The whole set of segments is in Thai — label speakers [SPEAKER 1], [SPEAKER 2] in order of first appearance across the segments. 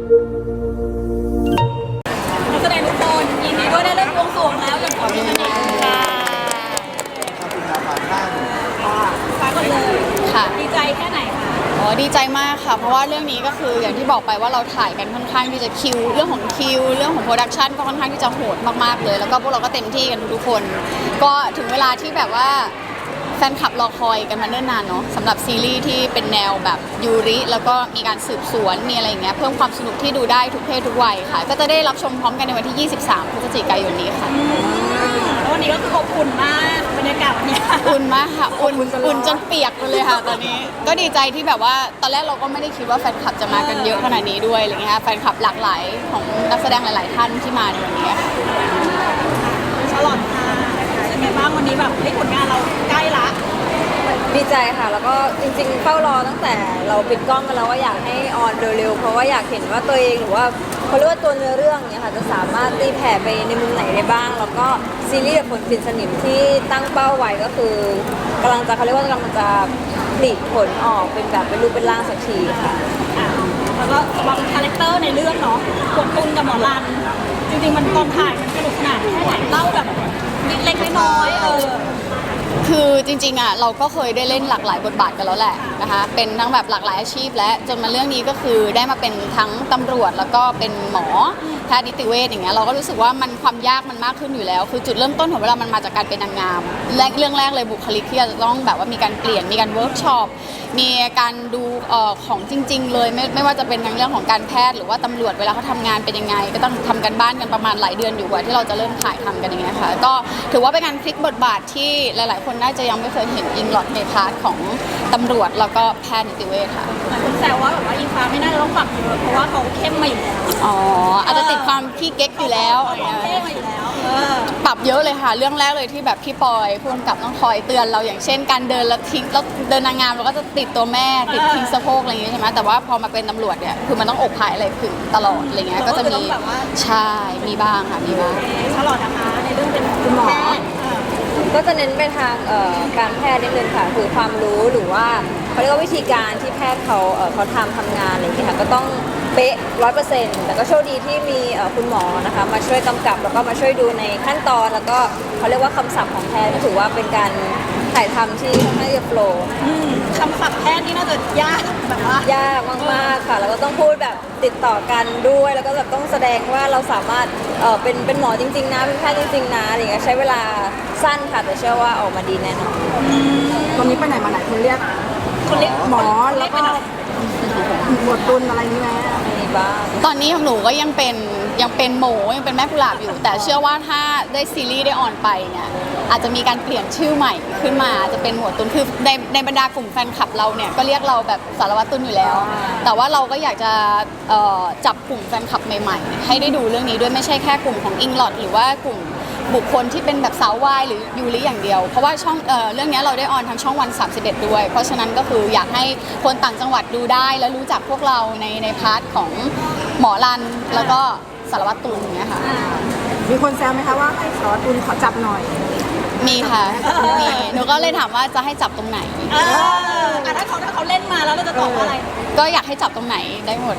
[SPEAKER 1] นักแสดงทุกคนยินดีด้วยได้เริ่มบวงสรวงแล้วอย่างขอพิจารณาค่ะ
[SPEAKER 2] ขอบคุณครับผ่านข้าง
[SPEAKER 1] ฟ้าก่อนเลย
[SPEAKER 3] ค่ะ
[SPEAKER 1] ดีใจแค่ไหนคะ
[SPEAKER 3] อ๋อดีใจมากค่ะเพราะว่าเรื่องนี้ก็คืออย่างที่บอกไปว่าเราถ่ายกันค่อนข้างที่จะคิวเรื่องของคิวเรื่องของโปรดักชันก็ค่อนข้างที่จะโหดมากๆเลยแล้วก็พวกเราก็เต็มที่กันทุกคนก็ถึงเวลาที่แบบว่าแฟนคลับรอคอยกันมาเนิ่นนานเนาะสำหรับซีรีส์ที่เป็นแนวแบบยูริแล้วก็มีการสืบสวนมีอะไรอย่างเงี้ยเพิ่มความสนุกที่ดูได้ทุกเพศทุกวัยค่ะก็จะได้รับชมพร้อมกันในวันที่ 23 พฤศจิกายนนี้ค่ะ
[SPEAKER 1] แล้ววันนี้ก็คืออบอุ่นมากบรรยากาศวันนี้
[SPEAKER 3] อุ่นมากค่ะอุ่นจนเปียกไปเลยค่ะตอนนี้ก็ดีใจที่แบบว่าตอนแรกเราก็ไม่ได้คิดว่าแฟนคลับจะมากันเยอะขนาดนี้ด้วยอะไรเงี้ยแฟนคลับหลากหลายของนักแสดงหลายๆท่านที่มาในวันนี้ค่ะ
[SPEAKER 1] ฉลอดค่ะเป็นไงบ้างวันนี้แบบผลงานเราใกล้ละ
[SPEAKER 4] ดีใจค่ะแล้วก็จริงๆเฝ้ารอตั้งแต่เราปิดกล้องกันแล้วว่าอยากให้ออนเร็วๆเพราะว่าอยากเห็นว่าตัวเองหรือว่าเขาเรียกว่าตัวเนื้อเรื่องเนี่ยค่ะจะสามารถตีแผ่ไปในมุมไหนได้บ้างแล้วก็ซีรีส์ฝนปิดสนิมที่ตั้งเป้าไว้ก็คือกำลังจะเขาเรียกว่ากำลังจะผลิผลออกเป็นแบบเป็นรูปเป็นร่างสักทีค่ะ
[SPEAKER 1] แล้วก็วางคาแรคเตอร์ในเรื่องเนาะกดตุนกับหมอรันจริงๆมันตอนถ่ายมันสนุกขนาดแค่ไหนเล่าแบบเล็กๆน้อยๆ
[SPEAKER 3] คือจริงๆอ่ะเราก็เคยได้เล่นหลากหลายบทบาทกันแล้วแหละนะคะเป็นทั้งแบบหลากหลายอาชีพและจนมาเรื่องนี้ก็คือได้มาเป็นทั้งตำรวจแล้วก็เป็นหมอแพทย์นิติเวชอย่างเงี้ยเราก็รู้สึกว่ามันความยากมันมากขึ้นอยู่แล้วคือจุดเริ่มต้นของเวลามันมาจากการเป็นนางงามและเรื่องแรกเลยบุคลิกที่จะต้องแบบว่ามีการเปลี่ยนมีการเวิร์กช็อปมีการดูของจริงๆเลยไม่ว่าจะเป็นทั้งเรื่องของการแพทย์หรือว่าตำรวจเวลาเขาทำงานเป็นยังไงก็ต้องทำกันบ้านกันประมาณหลายเดือนอยู่กว่าที่เราจะเริ่มถ่ายทำกันอย่างเงี้ยค่ะก็ถือว่าเป็นการพลิกบทบาทที่หลายๆคนน่าจะยังไม่เคยเห็นอิงหลอดในพาร์ทของตำรวจแล้วก็แพทย์นิติเวชค่ะ
[SPEAKER 1] หลายคนแซวว่าแบบว่าอิงฟ้าไม่น่าจะต้องปรับเยอะเพราะว่าเขาเข้มมาอยู่แล้ว
[SPEAKER 3] อ๋ออาจจะติดความขี้เก๊กอยู่แล้ว
[SPEAKER 1] เขาเข้มมาอยู่แล้ว
[SPEAKER 3] ปรับเยอะเลยค่ะเรื่องแรกเลยที่แบบพี่ปอยพูดกับต้องคอยเตือนเราอย่างเช่นการเดินแล้วทิ้งแล้วเดินนางงามเราก็จะติดตัวแม่ติดทิ้งสะโพกอะไรอย่างเงี้ยใช่ไหมแต่ว่าพอมาเป็นตำรวจเนี่ยคือมันต้องอกผายอะไรขึงตลอดอะไรเงี้ยก็จะมีใช่มีบ้างค่ะมีบ้าง
[SPEAKER 1] ฉลอดนะคะในเรื่องเป็นคุณหมอ
[SPEAKER 4] ก็จะเน้นไปทางการแพทย์นิดนึงค่ะคือความรู้หรือว่าเขาเรียกว่าวิธีการที่แพทย์เขาทำงานอะไรอย่างเงี้ยค่ะก็ต้องเป๊ะ100%แต่ก็โชคดีที่มีคุณหมอนะคะมาช่วยกำกับแล้วก็มาช่วยดูในขั้นตอนแล้วก็เขาเรียกว่าคำศัพท์ของแพทย์ก็ถือว่าเป็นการถ่ายทำที่ค่อนข้างจะโปร
[SPEAKER 1] คำศัพท์แพทย์นี่น่าจะยากแบบว่าย
[SPEAKER 4] ากมากๆค่ะแล้วก็ต้องพูดแบบติดต่อกันด้วยแล้วก็แบบต้องแสดงว่าเราสามารถเป็นหมอจริงๆนะเป็นแพทย์จริงๆนะอะไรเงี้ยใช้เวลาสั้นค่ะแต่เชื่อว่าออกมาดีแน่นอน
[SPEAKER 5] ตอนนี้ไปไหนมาไหนคนเรียกหมอแล้วก็หมวดตุนอะไรนี่ไหม
[SPEAKER 4] มีบ้าง
[SPEAKER 3] ตอนนี้ของหนูก็ยังเป็นโหมยังเป็นแม่กุหลาบอยู่แต่เชื่อว่าถ้าได้ซีรีส์ได้ออนไปเนี่ยอาจจะมีการเปลี่ยนชื่อใหม่ขึ้นมาจะเป็นหมวดตุนคือในบรรดากลุ่มแฟนคลับเราเนี่ยก็เรียกเราแบบสารวัตรตุนอยู่แล้วแต่ว่าเราก็อยากจะจับกลุ่มแฟนคลับใหม่ๆให้ได้ดูเรื่องนี้ด้วยไม่ใช่แค่กลุ่มของอิงลอดหรือว่ากลุ่มบุคคลที่เป็นแบบสาววายหรือยูริอย่างเดียวเพราะว่าช่องเรื่องนี้เราได้ออนทางช่องวัน31ด้วยเพราะฉะนั้นก็คืออยากให้คนต่างจังหวัดดูได้และรู้จักพวกเราในพาร์ทของหมอรันแล้วก็สารวัตรตุลอย่างเงี้ยค่ะ
[SPEAKER 5] มีคนแซวไหมคะว่าให้สารวัตรตุลขอจับหน่อย
[SPEAKER 3] มีค่ะมีหนูก็เลยถามว่าจะให้จับตรงไหน
[SPEAKER 1] ถ้าเขาเล่นมาแล้วเราจะตอบว่าอะไร
[SPEAKER 3] ก็อยากให้จับตรงไหนได้หมด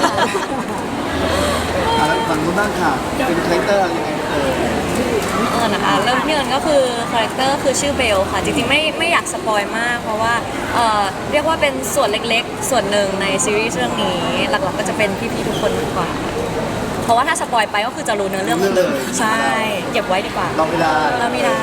[SPEAKER 2] แล้วฝั่งนู้นบ้างค่ะเป็นคาแรคเตอร์อะไรยังไง
[SPEAKER 6] นะคะเริ่มที่เอิญก็คือคาแรคเตอร์คือชื่อเบลค่ะจริงๆไม่อยากสปอยมากเพราะว่าเรียกว่าเป็นส่วนเล็กๆส่วนหนึ่งในซีรีส์เรื่องนี้หลักๆก็จะเป็นพี่ๆทุกคนมากกว่าเพราะว่าถ้าสปอยไปก็คือจะรู้เนื้อเรื่องเลยใช่เก็บไว้ดีกว่า
[SPEAKER 2] เราไม่ได้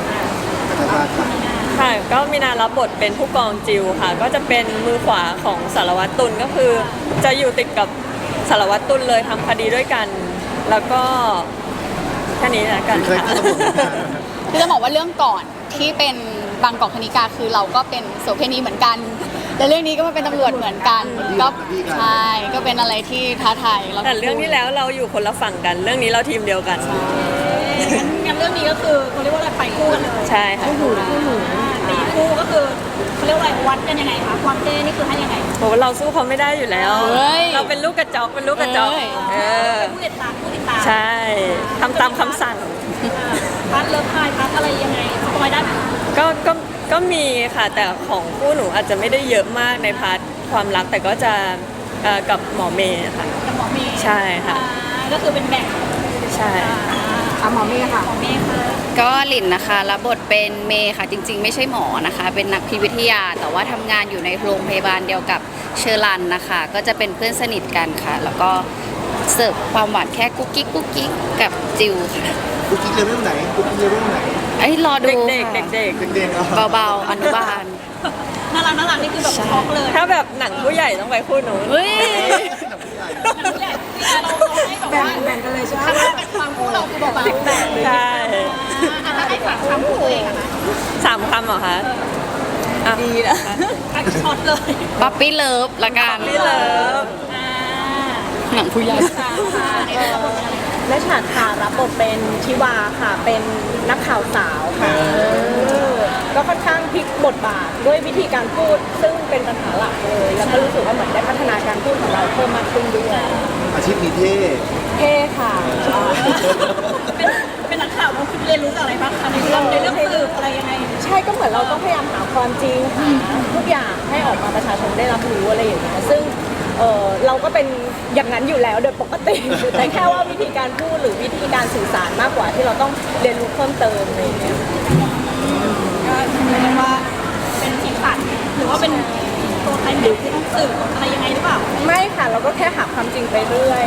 [SPEAKER 7] ค่ะก็มีนารับบทเป็นผู้กองจิวค่ะก็จะเป็นมือขวาของสารวัตรตุลก็คือจะอยู่ติดกับสารวัตรตุลเลยทำคดีด้วยกันแล้วก็แค่นี้นะกัน
[SPEAKER 3] คือจะบอกว่าเรื่องก่อนที่เป็นบางกอกคณิกาคือเราก็เป็นโสเภณีเหมือนกันแต่เรื่องนี้ก็มาเป็นตำรวจเหมือนกันก็ใช่ก็เป็นอะไรที่ท้าทาย
[SPEAKER 7] แต่เรื่องที่แล้วเราอยู่คนละฝั่งกันเรื่องนี้เราทีมเดียวกัน
[SPEAKER 1] งั้นเรื่องนี้ก็คือเขาเรียกว่าอะไรไปคู่กันเลย
[SPEAKER 7] ใช่ค่ะ
[SPEAKER 1] ตีคู่ก็คือเขาเรียกว่าอะไรวัดกันยังไงคะความเท่นี่คือให้ยังไง
[SPEAKER 7] โหเราสู้เขาไม่ได้อยู่แล้วเราเป็นลูกกระจอกเป็นผู้
[SPEAKER 1] ติดตาม
[SPEAKER 7] ใช่ทำตามคำสั่ง
[SPEAKER 1] พัดเลิฟพายพัดอะไรยังไงสปอยได้ไหม
[SPEAKER 7] ก็มีค่ะแต่ของคู่หนูอาจจะไม่ได้เยอะมากในพาร์ทความรักแต่ก็จะกับหมอเมย์ค่ะ
[SPEAKER 1] กับหมอเมย์
[SPEAKER 7] ใช่ค่ะ
[SPEAKER 1] ก็คือเป็นแบ่ง
[SPEAKER 7] ใช่
[SPEAKER 5] อ่ะหมอเมย์ค่ะ
[SPEAKER 1] หมอเมย์ค่ะ
[SPEAKER 3] ก็หลินนะคะรับบทเป็นเมย์ค่ะจริง ๆ ไม่ใช่หมอนะคะ เป็นนักพิวิทยา แต่ว่าทำงานอยู่ในโรงพยาบาลเดียวกับเชอรันนะคะ ก็จะเป็นเพื่อนสนิทกันค่ะ แล้วก็เสิร์ฟความหวานแค่กุ๊กกิ๊กกุ๊กกิ๊กกับจิวค่ะ
[SPEAKER 2] กุ๊กกิ๊กเลเวลไหนกุ๊กกิ๊กเลเวลไหน
[SPEAKER 3] ไอ้ยรอดู
[SPEAKER 7] เด็กๆ
[SPEAKER 3] ค่ะ
[SPEAKER 7] เด็ก
[SPEAKER 2] เด็กๆ
[SPEAKER 3] เบาๆอนุบาล
[SPEAKER 1] น่ารักนี่คือแบบช็อกเลย
[SPEAKER 7] ๆ ถ้าแบบหนังผู้ใหญ่ต้องไปคู่หนู
[SPEAKER 3] เฮ้ย
[SPEAKER 1] ผู้ใหญ่เราให้แบบว่า
[SPEAKER 5] แบ่งกันเลยใช่ไหม
[SPEAKER 1] ถ้าเป็นความคู่เราคือเบาๆ
[SPEAKER 7] ใช่
[SPEAKER 1] ถ้าให้ฝากความคู่ตัวเองอะคะ
[SPEAKER 7] 3 คำเหรอคะดีนะ
[SPEAKER 1] ช็อตเลย
[SPEAKER 3] ป๊อปปี้เลิฟละกัน
[SPEAKER 7] พี่เลิฟ
[SPEAKER 3] หนังผู้ใหญ่
[SPEAKER 5] และฉากค่ะรับบทเป็นชิวาค่ะ เป็นนักข่าวสาวค่ะก็ค่อนข้างพลิกบทบาทด้วยวิธีการพูด ซึ่งเป็นปัญหาหลักเลย แล้วก็รู้สึกว่าเหมือนได้พัฒนาการพูดของเราเพิ่มมากขึ้นด้วย
[SPEAKER 2] อาชีพนี้เท่
[SPEAKER 5] เท่ค่ะ
[SPEAKER 1] เป็นนักข่าวเราคือเรียนรู้จากอะไรบ้างคะในเรื่องสืบอะไรยังไง
[SPEAKER 5] ใช่ก็เหมือนเราต้องพยายามหาความจริงหาทุกอย่างให้ออกมาประชาชนได้รับรู้อะไรอย่างเงี้ยซึ่งเราก็เป็นอย่างนั้นอยู่แล้วโดยปกติ แต่แค่ว่าวิธีการพูดหรือวิธีการสื่อสารมากกว่าที่เราต้องเรียนรู้เพิ่มเติมอะไรอย่างเงี้ย
[SPEAKER 1] ก็เรียกว่าเป็นสีสันหรือว่าเป็นตัวใครหรือที่ต้องสืบอะไรยังไงหรือเปล่า
[SPEAKER 5] ไม่ค่ะเราก็แค่หาความจริงไปเรื่อย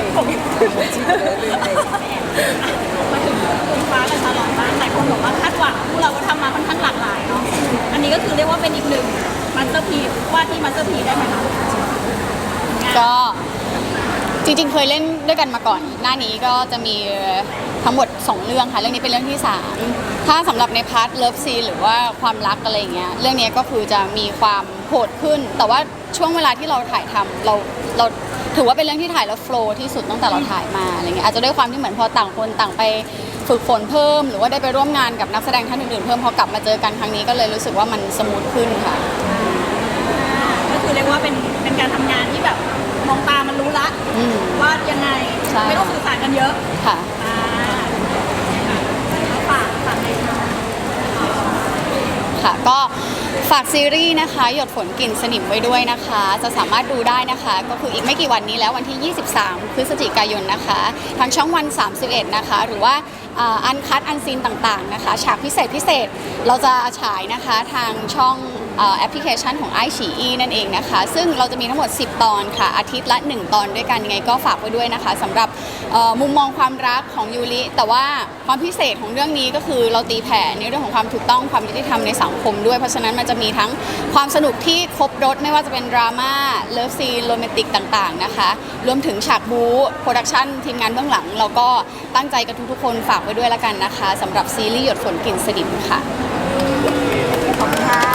[SPEAKER 1] มาถึงคุณฟ้ากับชาลอตบ้างหลายคนบอกว่าคาดหวังพวกเราก็ทำมาค่อนข้างหลากหลายเนาะอันนี้ก็คือเรียกว่าเป็นอีกหนึ่งมาสเตอร์พีซว่าที่มาสเตอร์พีซได้ไหมคะ
[SPEAKER 3] ก็จริงๆเคยเล่นด้วยกันมาก่อน หน้านี้ก็จะมีทั้งหมด 2 เรื่องค่ะ เรื่องนี้เป็นเรื่องที่ 3 ถ้าสำหรับในพาร์ทเลิฟซีนหรือว่าความรักอะไรอย่างเงี้ย เรื่องนี้ก็คือจะมีความโหดขึ้น แต่ว่าช่วงเวลาที่เราถ่ายทำเราถือว่าเป็นเรื่องที่ถ่ายแล้วโฟลว์ที่สุดตั้งแต่เราถ่ายมาอะไรเงี้ย อาจจะด้วยความที่เหมือนพอต่างคนต่างไปฝึกฝนเพิ่ม หรือว่าได้ไปร่วมงานกับนักแสดงท่านอื่นๆเพิ่มพอกลับมาเจอกันครั้งนี้ก็เลยรู้สึกว่ามันสมูทขึ้นค่ะ
[SPEAKER 1] ก็คือเรียกว่าเป็นการทำงานที่แบบมองตามันรู้ละ
[SPEAKER 3] อืม
[SPEAKER 1] ว่ายังไง
[SPEAKER 3] ใช่
[SPEAKER 1] ไม่ต้องสื่อสารกันเยอะ
[SPEAKER 3] ค่ะ
[SPEAKER 1] ฝากเลยค่ะ
[SPEAKER 3] ค่ะก็ฝากซีรีส์นะคะหยดฝนกลิ่นสนิมไว้ด้วยนะคะ จะสามารถดูได้นะคะ ก็คืออีกไม่กี่วันนี้แล้ววันที่ 23 พฤศจิกายนนะคะทางช่องวัน 31 นะคะ หรือว่าอันคัดอันซีนต่างๆนะคะ ฉากพิเศษเราจะฉายนะคะทางช่องแอปพลิเคชันของ iQIYI นั่นเองนะคะ ซึ่งเราจะมีทั้งหมด 10 ตอนค่ะ อาทิตย์ละ 1 ตอนด้วยกันยังไงก็ฝากไว้ด้วยนะคะสำหรับมุมมองความรักของยูริแต่ว่าความพิเศษของเรื่องนี้ก็คือเราตีแผ่ในเรื่องของความถูกต้องความยุติธรรมในสังคมด้วยเพราะฉะนั้นมันจะมีทั้งความสนุกที่ครบรถไม่ว่าจะเป็นดราม่าเลิฟซีนโรแมนติกต่างๆนะคะรวมถึงฉากบู๊โปรดักชั่นทีมงานเบื้องหลังเราก็ตั้งใจกับทุกๆคนฝากไว้ด้วยแล้วกันนะคะสำหรับซีรีส์หยดฝนกลิ่นสนิมค่ะ
[SPEAKER 5] ขอบคุณค่ะ